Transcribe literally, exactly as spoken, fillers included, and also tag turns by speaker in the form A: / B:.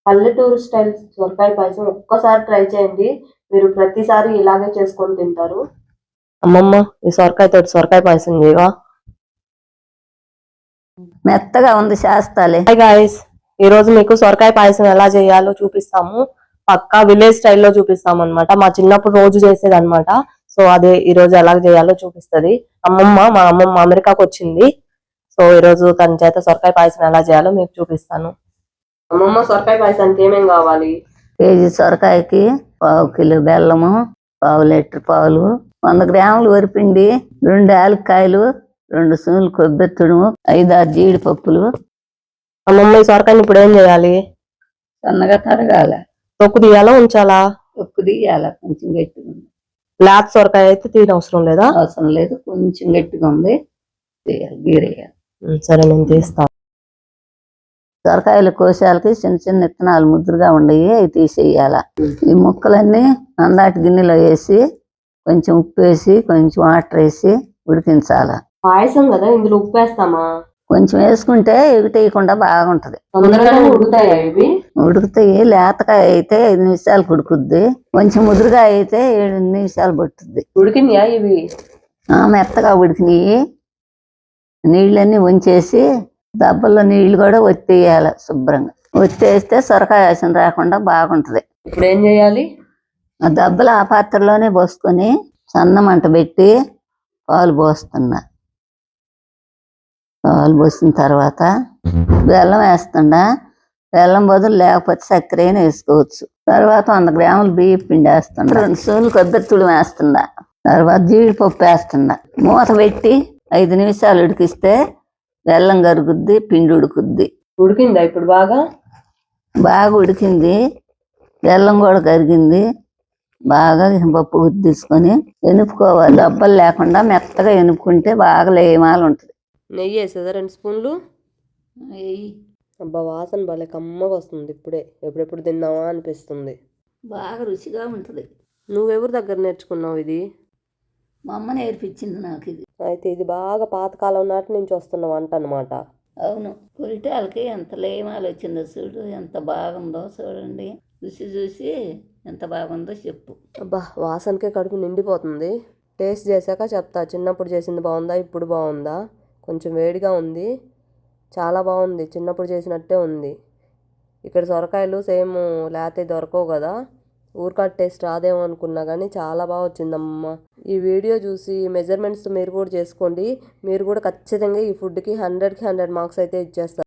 A: పల్లెటూరు స్టైల్ సొరకాయ పాయసం ఒక్కసారి ట్రై చేయండి. మీరు ప్రతిసారి ఇలాగే చేసుకొని తింటారు. అమ్మమ్మ ఈ సొరకాయ తోటి సొరకాయ పాయసం చేయవా?
B: మెత్తగా ఉంది చేస్తాలే.
A: హాయ్ గాయ్స్, ఈ రోజు మీకు సొరకాయ పాయసం ఎలా చేయాలో చూపిస్తాము. పక్కా విలేజ్ స్టైల్లో చూపిస్తాం అనమాట. మా చిన్నప్పుడు రోజు చేసేది అనమాట. సో అదే ఈ రోజు ఎలా చేయాలో చూపిస్తుంది అమ్మమ్మ. మా అమ్మమ్మ అమెరికాకు వచ్చింది. సో ఈ రోజు తన చేత సొరకాయ పాయసం ఎలా చేయాలో మీకు చూపిస్తాను. అమ్మమ్మ, సొరకాయ పాయసానికి ఏమేమి కావాలి?
B: కేజీ సొరకాయకి పావు కిలో బెల్లము, పావు లీటర్ పాలు, వంద గ్రాములు వరిపిండి, రెండు యాలక్కాయలు, రెండు స్పూన్లు కొబ్బరి తుడుము, ఐదారు జీడిపప్పులు.
A: అమ్మమ్మ ఈ సొరకాయని ఇప్పుడు ఏం చేయాలి?
B: సన్నగా తరగాల.
A: తొక్కు తీయాలా ఉంచాలా?
B: తొక్కు తీయాల, కొంచెం గట్టిగా ఉంది.
A: లేత సొరకాయ అయితే తీయని అవసరం లేదా?
B: అవసరం లేదు, కొంచెం గట్టిగా ఉంది, తీయాలి, గీరేయాలి.
A: సరే, నేను తీస్తాను.
B: సొరకాయల కోశాలకి చిన్న చిన్న విత్తనాలు ముద్దురుగా ఉండయి, అవి తీసేయాల. ఈ ముక్కలన్నీ అందాటి గిన్నెలో వేసి కొంచెం ఉప్పు వేసి కొంచెం వాటర్ వేసి ఉడికించాల.
A: పాయసం కదా, ఇందులో ఉప్పు వేస్తామా? కొంచెం
B: వేసుకుంటే ఎగుటేయకుండా బాగుంటది.
A: తొందరగానే ఉడుకుతాయా ఇవి?
B: ఉడుకుతాయి. లేతకాయ అయితే ఐదు నిమిషాలు ఉడుకుద్ది, కొంచెం ముదురుగా అయితే ఏడు నిమిషాలు పట్టుద్ది.
A: ఉడికినాయా ఇవి?
B: మెత్తగా ఉడికినాయి. నీళ్ళన్నీ ఉంచేసి దెబ్బల్లో నీళ్లు కూడా ఒత్తేయాలి శుభ్రంగా. ఒత్తేస్తే సొరకాయ వాసన రాకుండా బాగుంటది.
A: ఇప్పుడు ఏం చేయాలి?
B: ఆ దెబ్బలు ఆ పాత్రలోనే పోసుకొని సన్న మంట పెట్టి పాలు పోస్తున్నా. పాలు పోసిన తర్వాత బెల్లం వేస్తుండా. బెల్లం బదులు లేకపోతే చక్కెర అయినా వేసుకోవచ్చు. తర్వాత వంద గ్రాములు బియ్యం పిండి వేస్తుండ. రెండు స్పూన్లు కొబ్బరి తుడుము వేస్తుండా. తర్వాత జీడిపప్పు వేస్తుండా. మూత పెట్టి ఐదు నిమిషాలు ఉడికిస్తే బెల్లం కరుగుద్ది, పిండి ఉడుకుద్ది.
A: ఉడికిందా ఇప్పుడు? బాగా
B: బాగా ఉడికింది. బెల్లం కూడా కరిగింది. బాగా పప్పు తీసుకొని ఎనుపుకోవాలి. దెబ్బలు లేకుండా మెత్తగా ఎనుపుకుంటే బాగా లేమాలు ఉంటుంది.
A: నెయ్యి వేసేదా? రెండు స్పూన్లు నెయ్యి. అబ్బా, వాసన భలే కమ్మగా వస్తుంది. ఇప్పుడే ఎప్పుడెప్పుడు తిందామా అనిపిస్తుంది.
B: బాగా రుచిగా ఉంటుంది.
A: నువ్వెవరి దగ్గర నేర్చుకున్నావు ఇది?
B: మా అమ్మ నేర్పించింది నాకు ఇది.
A: అయితే ఇది బాగా పాతకాలం నాటి నుంచి వస్తున్న వంట అనమాట.
B: అవును. పొరిటాలకి ఎంత లేమాలు వచ్చిందో చూడు, ఎంత బాగుందో చూడండి. రుచి చూసి ఎంత బాగుందో చెప్పు.
A: అబ్బా, వాసనకే కడుపు నిండిపోతుంది. టేస్ట్ చేశాక చెప్తా. చిన్నప్పుడు చేసింది బాగుందా, ఇప్పుడు బాగుందా? కొంచెం వేడిగా ఉంది, చాలా బాగుంది. చిన్నప్పుడు చేసినట్టే ఉంది. ఇక్కడ సొరకాయలు సేమ్ లేతే దొరకవు కదా, ఊరికాడ టేస్ట్ రాదేమో అనుకున్నా కానీ చాలా బాగా వచ్చిందమ్మ. ఈ వీడియో చూసి మెజర్మెంట్స్ మీరు కూడా చేసుకోండి. మీరు కూడా ఖచ్చితంగా ఈ ఫుడ్కి హండ్రెడ్కి హండ్రెడ్ మార్క్స్ అయితే ఇచ్చేస్తారు.